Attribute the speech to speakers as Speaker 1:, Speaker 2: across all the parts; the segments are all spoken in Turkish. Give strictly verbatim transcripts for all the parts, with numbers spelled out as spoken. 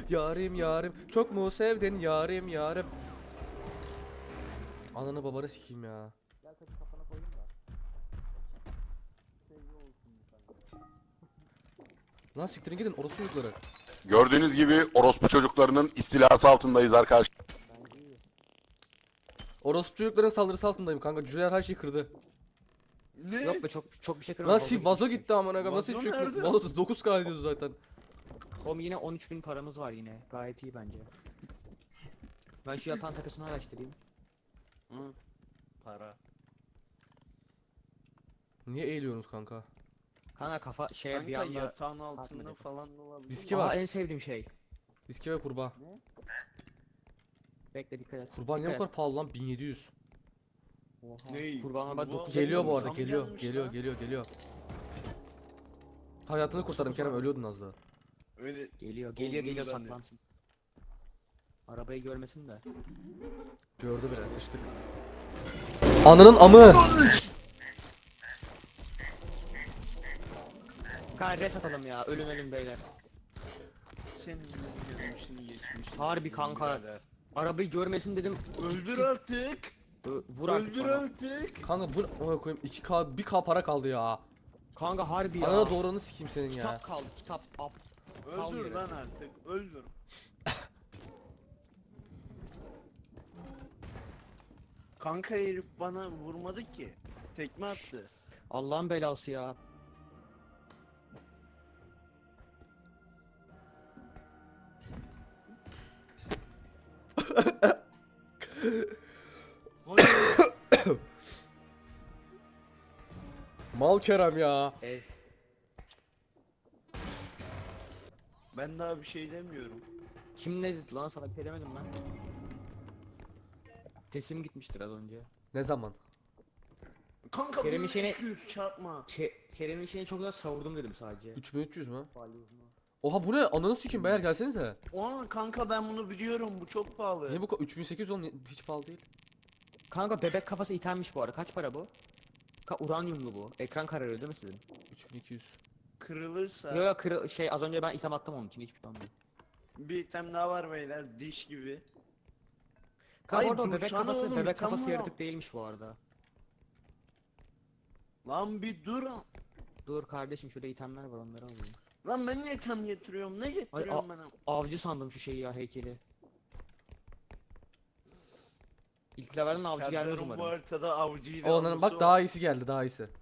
Speaker 1: Yarim yarim. Çok mu sevdin yarim yarim. Ananı babanı sikeyim ya.
Speaker 2: Gel taşı kafana koydum da. Sevgi olsun bir tane.
Speaker 1: Lan siktirin gidin orospu çocukları.
Speaker 3: Gördüğünüz gibi orospu çocuklarının istilası altındayız arkadaşlar.
Speaker 2: Bence iyi.
Speaker 1: Orospu çocukların saldırısı altındayım kanka. Cüceler her şeyi kırdı.
Speaker 4: Ne?
Speaker 2: Yok be çok çok bir şey kırmadım.
Speaker 1: Lan sil vazo gitti amına koyayım. Nasıl
Speaker 4: Vazo
Speaker 1: hiçbir şey
Speaker 4: nerede?
Speaker 1: kırdı? Vazo dokuz K ediyordu zaten.
Speaker 2: Oğlum yine on üç bin paramız var yine. Gayet iyi bence. Ben şu yatağın tepesini araştırayım.
Speaker 4: Hı. Para.
Speaker 1: Niye eğiliyorsunuz kanka?
Speaker 2: Kanka kafa şey bir
Speaker 4: Kanka
Speaker 2: anda...
Speaker 4: yatağın altında
Speaker 2: Atmadım.
Speaker 4: falan da olabilir.
Speaker 1: Viski
Speaker 2: Aa,
Speaker 1: var.
Speaker 2: en sevdiğim şey.
Speaker 1: Viski ve kurbağa.
Speaker 2: Bekle dikkat et.
Speaker 1: Kurbağa niye bu
Speaker 2: dikkat
Speaker 1: kadar pahalı lan? bin yedi yüz.
Speaker 2: et. Oha.
Speaker 4: Ney?
Speaker 2: Kurbanlar bak
Speaker 4: Kurbağa-
Speaker 2: dokuz
Speaker 1: Geliyor bu
Speaker 2: olmuş.
Speaker 1: arada
Speaker 4: Zam
Speaker 1: geliyor.
Speaker 4: gelmiş
Speaker 1: Geliyor
Speaker 4: lan.
Speaker 1: geliyor geliyor. Hayatını kurtardım Kerem, ölüyordun az daha.
Speaker 4: Öyle
Speaker 2: Geliyor geliyor geliyor
Speaker 4: olduğunu
Speaker 2: saklan.
Speaker 4: zannetsin.
Speaker 2: Arabayı görmesin de.
Speaker 1: Gördü bile, sıçtık. Ananın amı.
Speaker 2: Kanka res atalım ya ölüm ölüm beyler.
Speaker 4: Senin gelmişini geçmişini.
Speaker 2: Harbi kanka. Arabayı görmesin dedim.
Speaker 4: Öldür artık.
Speaker 2: Ö- Vur artık
Speaker 4: Öldür
Speaker 2: bana.
Speaker 4: artık.
Speaker 1: Kanka bu ona koyayım iki K bir K para kaldı ya.
Speaker 2: Kanka harbi ya.
Speaker 1: Anana doğranı sikeyim senin ya.
Speaker 2: Kitap kaldı kitap. Up. Kal
Speaker 4: Öldür
Speaker 2: yere.
Speaker 4: lan artık. Öldür. Kanka herif bana vurmadı ki. Tekme attı.
Speaker 2: Allah'ın belası ya.
Speaker 4: Hayır.
Speaker 1: Mal Kerem ya.
Speaker 2: Ez.
Speaker 4: Ben daha bir şey demiyorum.
Speaker 2: Kim ne dedi lan sana bir şey demedim ben. Sesim gitmiştir az önce.
Speaker 1: Ne zaman?
Speaker 4: Kanka
Speaker 2: Kerem'in
Speaker 4: bunu
Speaker 2: şeyine-
Speaker 4: beş yüz çarpma.
Speaker 2: Ke Kerem'in şeyini çok güzel savurdum dedim sadece.
Speaker 1: üç bin üç yüz mü? Oha bu ne? Ananı sikeyim beyler, gelsenize.
Speaker 4: Oha kanka ben bunu biliyorum. Bu çok pahalı.
Speaker 1: Niye bu kadar? üç bin sekiz yüz on hiç pahalı değil.
Speaker 2: Kanka bebek kafası itenmiş bu arada. Kaç para bu? Ka uranyumlu bu. Ekran kararıyor değil mi sizin?
Speaker 1: üç bin iki yüz.
Speaker 4: Kırılırsa
Speaker 2: Yok yok kırı- şey az önce ben item attım onun için hiçbir şey olmuyor.
Speaker 4: bir item daha var beyler. Diş gibi.
Speaker 2: Kanka
Speaker 4: Ay,
Speaker 2: orada o bebek
Speaker 4: dursana
Speaker 2: kafası
Speaker 4: oğlum,
Speaker 2: bebek
Speaker 4: item
Speaker 2: kafası
Speaker 4: var.
Speaker 2: yaratık değilmiş bu arada.
Speaker 4: Lan bir dur.
Speaker 2: Dur kardeşim şurada itemler var onları alayım.
Speaker 4: Lan ben niye item getiriyorum? Ne getiriyorum bana?
Speaker 2: Avcı sandım şu şeyi ya heykeli. İlk levelden avcı gelmez
Speaker 4: Serdar'ın bu
Speaker 2: umarım.
Speaker 4: haritada avcıyla
Speaker 1: Onların
Speaker 4: anısı
Speaker 1: bak
Speaker 4: var.
Speaker 1: daha iyisi geldi, daha iyisi.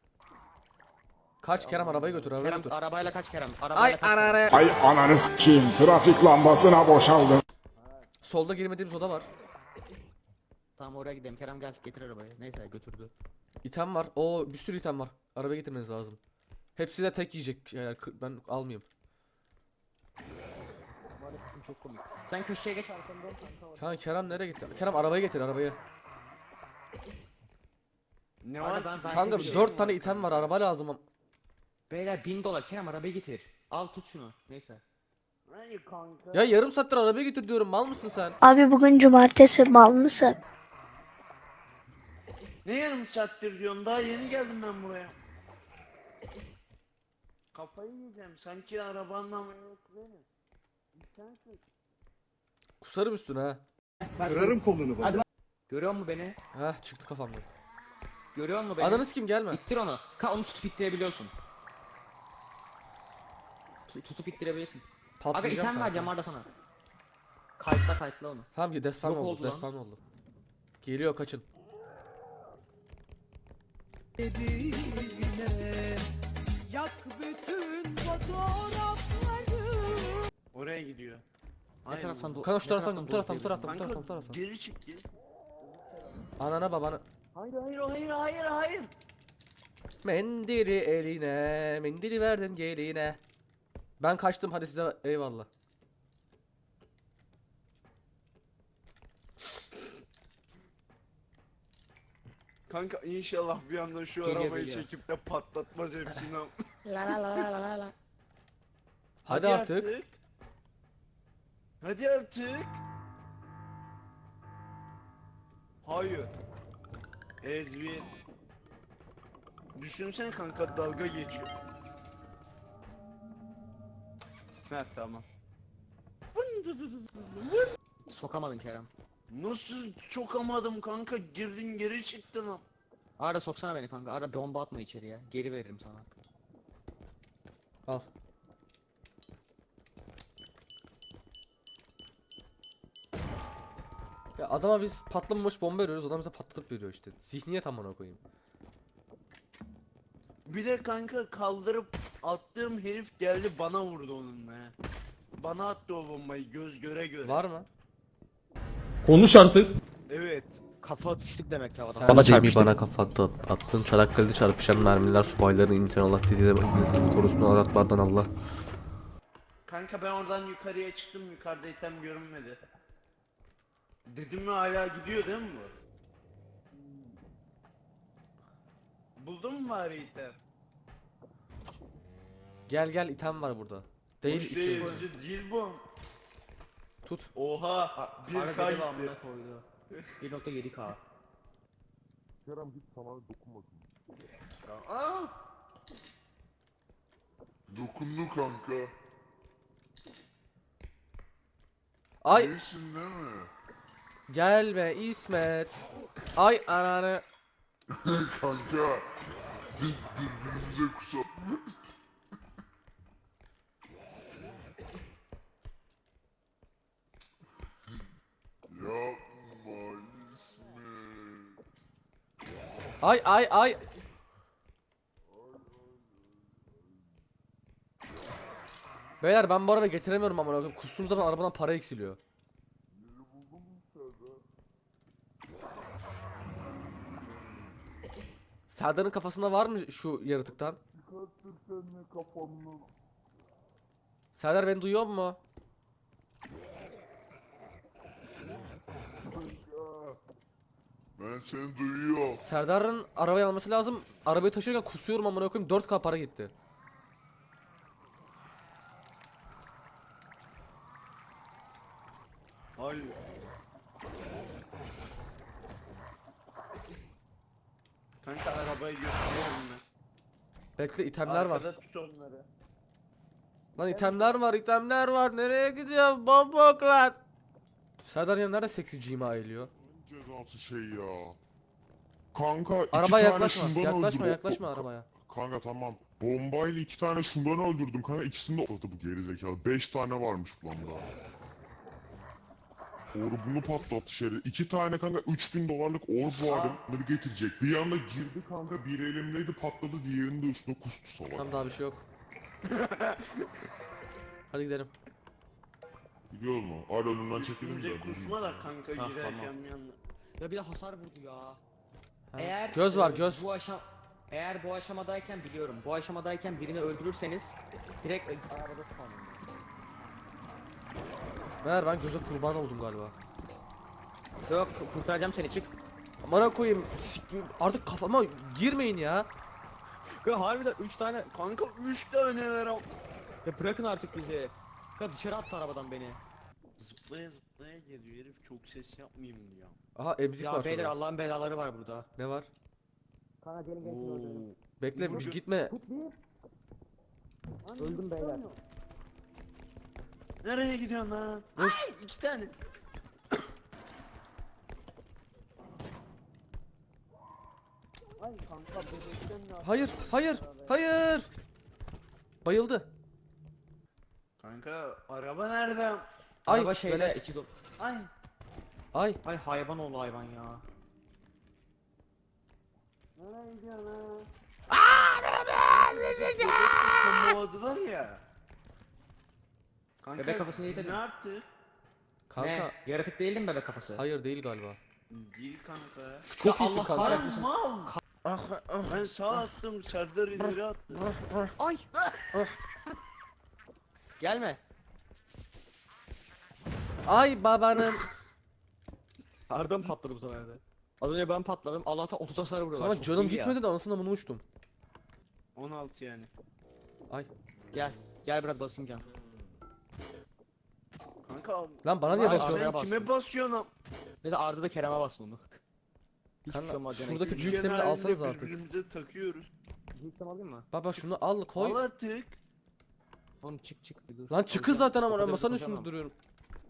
Speaker 1: Kaç Kerem, arabayı götür, arabayı
Speaker 2: Kerem
Speaker 1: götür.
Speaker 2: arabayla kaç Kerem? Arabayla
Speaker 1: Ay
Speaker 2: kaç Kerem?
Speaker 1: ananı.
Speaker 5: Ay ananı s**eyim, trafik lambasına boşaldım.
Speaker 1: Solda girmediğimiz oda var.
Speaker 2: Tamam oraya gidelim Kerem gel getir arabayı. Neyse götürdü.
Speaker 1: İtem var. Oo bir sürü item var. Arabaya getirmeniz lazım. Hepsi de tek yiyecek şeyler. Kı- Ben almayayım.
Speaker 2: Çok komik. Sen köşeye geç arkamda ol kanka orada.
Speaker 1: Kanka Kerem nereye gitti? Kerem arabayı getir, arabayı.
Speaker 4: Ne
Speaker 2: Arada
Speaker 4: var
Speaker 2: ben-
Speaker 4: ki?
Speaker 2: ben-
Speaker 1: Kanka
Speaker 2: bir şey
Speaker 1: dört
Speaker 2: var.
Speaker 1: tane item var, araba lazım. am-
Speaker 2: Beyler bin dolar Kerem arabayı getir. Al tut şunu. Neyse.
Speaker 4: Hayır kanka.
Speaker 1: Ya yarım saattir arabaya getir diyorum, mal mısın sen?
Speaker 6: Abi bugün cumartesi mal mısın?
Speaker 4: Ne yarım saattir diyorsun? Daha yeni geldim ben buraya. Kafayı yiyeceğim. Sanki arabanın ameliyatı benim. Sensin.
Speaker 1: Kusarım üstüne ha.
Speaker 2: Görüyor musun beni?
Speaker 1: Heh çıktı kafamdan.
Speaker 2: Görüyor musun beni?
Speaker 1: Ananı kim gelme.
Speaker 2: İttir onu. Ka onu tutup ittirebiliyorsun. Tu- tutup ittirebilirsin. Aga
Speaker 1: Patlayacağım
Speaker 2: item
Speaker 1: kanka.
Speaker 2: vereceğim Arda sana. Kayıtla kayıtla onu.
Speaker 1: Tamam ki despawn
Speaker 2: Yok
Speaker 1: oldu,
Speaker 2: oldu lan.
Speaker 1: despawn oldu. Geliyor, kaçın.
Speaker 7: Yak bütün fotoğrafları.
Speaker 4: Oraya gidiyor.
Speaker 2: Ne
Speaker 4: Aynen.
Speaker 2: taraftan do-
Speaker 1: Kanka şu
Speaker 2: ne
Speaker 1: taraftan, bu taraftan, bu
Speaker 2: doğru
Speaker 1: taraftan, bu
Speaker 4: Kanka
Speaker 1: taraftan, bu taraftan.
Speaker 4: geri çık geri.
Speaker 1: Anana babana.
Speaker 4: Hayır hayır hayır hayır hayır.
Speaker 1: Mendili eline, mendili verdim geline. Ben kaçtım, hadi size eyvallah.
Speaker 4: Kanka inşallah bir anda şu
Speaker 2: Geliyor,
Speaker 4: arabayı
Speaker 2: geliyor.
Speaker 4: çekip de patlatmaz hepsini.
Speaker 2: La la la la la la.
Speaker 1: Hadi, artık.
Speaker 4: Hadi artık. Hayır. Ezbi. Düşünsene kanka dalga geçiyor. Ha tamam. Bu
Speaker 2: Sokamadın Kerem.
Speaker 4: Nasıl çokamadım kanka, girdin geri çıktın lan.
Speaker 2: Arda soksana beni kanka. Arda bomba atma içeriye. Geri veririm sana.
Speaker 1: Al. Ya adama biz patlamamış bomba veriyoruz, adam bize patlatıp veriyor işte. Zihniyet amına koyayım.
Speaker 4: Bir de kanka kaldırıp attığım herif geldi bana vurdu onunla ya. Bana attı o bombayı göz göre göre.
Speaker 1: Var mı?
Speaker 5: Konuş artık.
Speaker 4: Evet.
Speaker 2: Kafa atıştık demek ki adam.
Speaker 1: Sen bana çarpıştın. Bana kafa attı, attın Çanakkale'de çarpışan mermiler subayların imtihan Allah dediği milletin korusunu aratmadan Allah.
Speaker 4: Kanka ben oradan yukarıya çıktım, yukarıda item görünmedi. Dedim mi hala gidiyor değil mi bu? Buldun mu bari item?
Speaker 1: Gel gel item var burada. Değil
Speaker 4: Hoş
Speaker 1: içi-
Speaker 4: değil, değil bu.
Speaker 1: Tut.
Speaker 4: Oha, bir
Speaker 2: Arda
Speaker 4: K
Speaker 2: beni
Speaker 4: gitti.
Speaker 2: amına koydu. bir nokta yedi K.
Speaker 4: Aa!
Speaker 8: Dokundu kanka.
Speaker 1: Ay
Speaker 8: İyisin değil mi?
Speaker 1: gelme İsmet. Ay ananı.
Speaker 8: Kanka. Biz birbirimize kusar. Yapma İsmet.
Speaker 1: Ay ay ay. Beyler ben bu arabayı getiremiyorum amına koyayım. Kustuğum zaman arabadan para eksiliyor. Serdar'ın kafasında var mı şu yaratıktan?
Speaker 8: Çıkarttır seninle kafanı.
Speaker 1: Serdar beni duyuyor mu?
Speaker 8: Ben seni duyuyorum.
Speaker 1: Serdar'ın arabayı alması lazım. Arabayı taşırken kusuyorum amına koyayım. dört K para gitti.
Speaker 4: Hayır. Kanka arabayı götürüyorum ben.
Speaker 1: Bekle itemler var.
Speaker 4: Arkada tut onları.
Speaker 1: Lan itemler var, itemler var. Nereye gidiyor? Bombokrat. Serdar ya nerede seksi cima eliyor?
Speaker 8: Cezası şey ya. Kanka iki
Speaker 1: Arabaya
Speaker 8: tane
Speaker 1: yaklaşma.
Speaker 8: şundan
Speaker 1: Yaklaşma,
Speaker 8: öldürdüm.
Speaker 1: yaklaşma
Speaker 8: O-
Speaker 1: arabaya.
Speaker 8: Kanka tamam. Bombayla iki tane şundan öldürdüm kanka. İkisini de atladı bu gerizekalı. Beş tane varmış planda. Or bunu patlattı şerif. İki tane kanka üç bin dolarlık orb vardı. Bunları getirecek. Bir anda girdi kanka. Bir elimdeydi patladı. Diğerinin de üstüne kustu salak.
Speaker 1: Tamam daha bir şey yok. Hadi gidelim.
Speaker 8: Gidiyor mu? Hala önümden çekildim
Speaker 4: Üstümüze
Speaker 8: zaten.
Speaker 4: kusma da kanka
Speaker 2: Ha,
Speaker 4: girerken
Speaker 2: tamam.
Speaker 4: bir yandan.
Speaker 2: Ya bir de hasar vurdu ya.
Speaker 1: Ha.
Speaker 2: Eğer
Speaker 1: Göz var
Speaker 2: e,
Speaker 1: göz.
Speaker 2: Bu aşam eğer bu aşamadayken biliyorum. Bu aşamadayken birini öldürürseniz direkt e, arabada spawnlanıyor.
Speaker 1: Ver ben göze kurban oldum galiba.
Speaker 2: Yok kurtaracağım seni çık.
Speaker 1: Amına koyayım. sik- Artık kafama girmeyin ya.
Speaker 2: Ya harbiden üç tane.
Speaker 4: Kanka üç tane ver al.
Speaker 2: Ya bırakın artık bizi. Ya dışarı attı arabadan beni.
Speaker 4: Zıplaya zıplaya geliyor herif, çok ses yapmayayım diyor.
Speaker 1: Aha emzik
Speaker 2: Ya
Speaker 1: var
Speaker 2: beyler
Speaker 1: şurada.
Speaker 2: Allah'ın belaları var burada.
Speaker 1: Ne var?
Speaker 2: Kanka gelin
Speaker 4: Oo.
Speaker 1: Bekle bir gitme.
Speaker 2: Öldüm beyler.
Speaker 4: Nereye gidiyorsun lan?
Speaker 1: Dur.
Speaker 4: Ay iki tane. Ay kanka bebekten ne
Speaker 1: Hayır, hayır, hayır. Bayıldı.
Speaker 4: Kanka araba nerede?
Speaker 1: Ay,
Speaker 2: Araba şeyde
Speaker 1: velet.
Speaker 2: içi dolu.
Speaker 4: Ay.
Speaker 1: Ay,
Speaker 2: Ay hayvan oldu hayvan ya.
Speaker 4: Nereye gidiyorsun lan? Tomoğladılar ya. Kanka
Speaker 2: Bebek kafasını
Speaker 4: ne
Speaker 2: yedirdim.
Speaker 4: yaptı?
Speaker 1: kanka.
Speaker 2: Ne? Yaratık değildim bebek kafası.
Speaker 1: Hayır değil galiba.
Speaker 4: Değil kanka.
Speaker 1: Çok
Speaker 2: Ya
Speaker 1: iyisin
Speaker 2: Allah
Speaker 1: kanka.
Speaker 4: Lan
Speaker 2: kahretmesin.
Speaker 4: mal.
Speaker 1: Ah, ah,
Speaker 4: Ben sağ attım, Serdar ileri attı.
Speaker 1: ah.
Speaker 2: Ay. Gelme.
Speaker 1: Ay babanın.
Speaker 2: Arda mı patladı bu sefer de? Az önce ben patladım. Allah'tan otuz hasar vuruyorlar.
Speaker 1: Kanka
Speaker 2: Çok
Speaker 1: canım
Speaker 2: iyi ya.
Speaker 1: gitmedi de anasını bunu uçtum.
Speaker 4: on altı yani.
Speaker 1: Ay.
Speaker 2: Gel. Gel biraz basayım can.
Speaker 4: Kanka
Speaker 1: Lan bana niye
Speaker 4: Lan
Speaker 1: basıyorsun?
Speaker 2: Arabaya
Speaker 4: sen kime
Speaker 2: bastım.
Speaker 4: basıyorsun am?
Speaker 2: Ne de Arda da Kerem'e bastı onu. Hiçbir şey
Speaker 1: Kanka,
Speaker 2: olmaz demek.
Speaker 1: şuradaki
Speaker 2: ki.
Speaker 1: büyük
Speaker 4: Üçgen
Speaker 1: temeli
Speaker 4: halinde
Speaker 1: alsanız artık.
Speaker 4: Birbirimize takıyoruz.
Speaker 2: Büyük tem alayım mı?
Speaker 1: Baba şunu al koy.
Speaker 4: Al artık.
Speaker 2: Oğlum çık çık bir dur.
Speaker 1: Lan çıkı
Speaker 2: Alacağım.
Speaker 1: zaten
Speaker 2: O
Speaker 1: ama
Speaker 2: kadar
Speaker 1: masanın
Speaker 2: hızlı
Speaker 1: üstünde
Speaker 2: koşamam.
Speaker 1: duruyorum.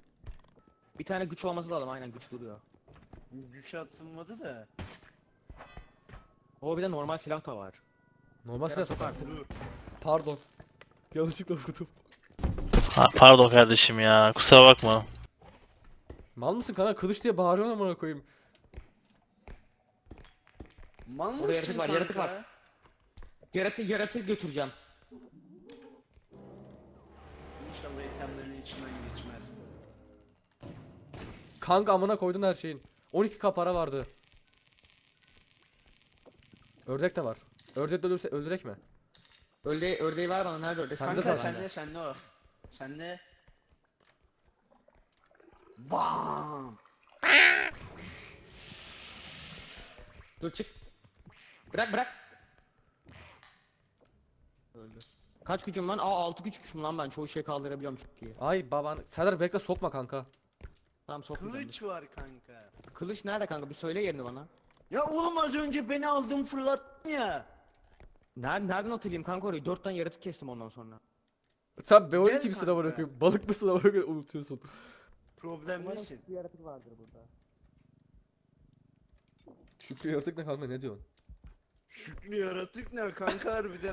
Speaker 2: Bir tane güç olması lazım, aynen güç duruyor.
Speaker 4: Güç atılmadı da.
Speaker 2: O bir de normal silah da var.
Speaker 1: Normal silah
Speaker 2: Kerem,
Speaker 1: sokar.
Speaker 2: sok artık.
Speaker 4: Dur.
Speaker 1: Pardon. Yanlışlıkla vurdum.
Speaker 9: Ha, pardon kardeşim ya. Kusura bakma.
Speaker 1: Mal mısın kanka? Kılıç diye bağırıyorsun amına koyayım.
Speaker 4: Mal mısın
Speaker 2: Orada yaratık var, yaratık
Speaker 4: kanka?
Speaker 2: var. Yaratık yaratık götüreceğim.
Speaker 4: İnşallah itemlerin içinden geçmez.
Speaker 1: Kanka amına koydun her şeyin. on iki K para vardı. Ördek de var. Ördek de ölürse öldürek mi?
Speaker 2: Ördeği, ördeği ver bana, nerede ördek?
Speaker 1: Sende
Speaker 4: Kanka
Speaker 1: zaten.
Speaker 4: sende sende o. Sende. Bam.
Speaker 2: Dur çık. Bırak bırak. Öldü. Kaç gücüm lan? Aa altı güçmüşüm lan ben. Çoğu şey kaldırabiliyorum çok iyi.
Speaker 1: Ay baban. Serdar bekle sokma kanka.
Speaker 2: Tamam sokmayacağım.
Speaker 4: Kılıç var kanka.
Speaker 2: Kılıç nerede kanka? Bir söyle yerini bana.
Speaker 4: Ya oğlum az önce beni aldın fırlattın ya.
Speaker 2: Nereden, nereden hatırlayayım kanka orayı? Dört tane yaratık kestim ondan sonra.
Speaker 1: Sen B on iki
Speaker 4: Gel
Speaker 1: misin
Speaker 4: kanka.
Speaker 1: amına koyayım? Balık mısın amına koyayım? Unutuyorsun.
Speaker 4: Problemlisin.
Speaker 2: bir yaratık vardır burada.
Speaker 1: Şükrü yaratık ne kanka ne diyorsun?
Speaker 4: Şükrü yaratık ne kanka harbiden.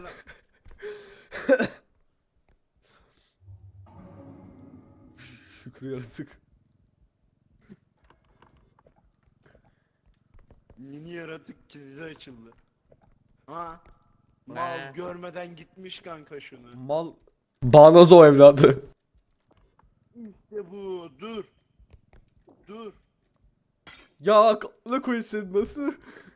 Speaker 1: Şükrü yaratık.
Speaker 4: Yeni yaratık kilidi açıldı. Ha?
Speaker 2: Ne?
Speaker 4: Mal görmeden gitmiş kanka şunu.
Speaker 1: Mal. Bağnaz o evladı.
Speaker 4: İşte bu. Dur. Dur.
Speaker 1: Ya ne koyayım sen nasıl?